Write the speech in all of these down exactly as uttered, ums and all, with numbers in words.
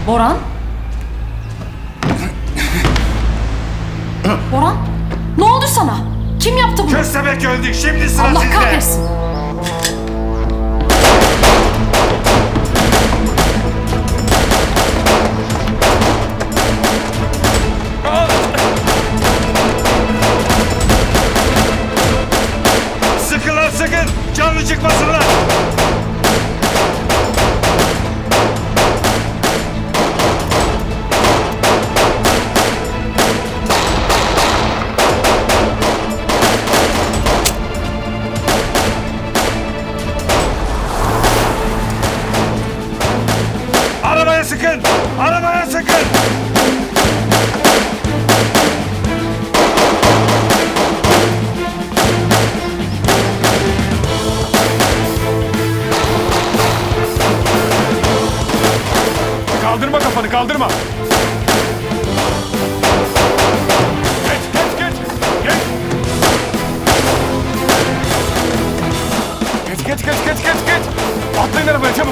Boran? Boran? Ne oldu sana? Kim yaptı bunu? Köstebek öldük. Şimdi sıra Allah sizde. kahretsin. Sıkın lan sıkın. Canlı çıkmasınlar. Arabaya sıkın. Arabaya sıkın. Kaldırma kafanı, kaldırma. Geç, geç, geç. Geç. Geç, geç, geç, geç, geç, geç. Atlayın arabaya çabuk.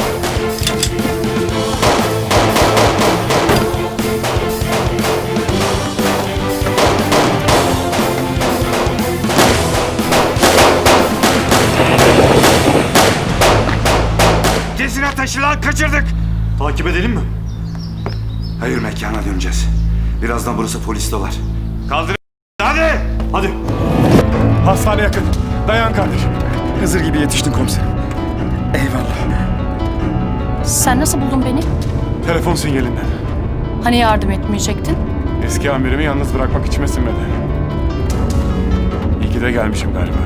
Kesin ateşi lan, kaçırdık. Takip edelim mi? Hayır, mekana döneceğiz. Birazdan burası polis dolar. Kaldır. Hadi. Hadi. Hastane yakın. Dayan kardeşim. Hızır gibi yetiştin komiserim. Eyvallah. Sen nasıl buldun beni? Telefon sinyalinden. Hani yardım etmeyecektin? Eski amirimi yalnız bırakmak içime sinmedi. İyi ki de gelmişim galiba.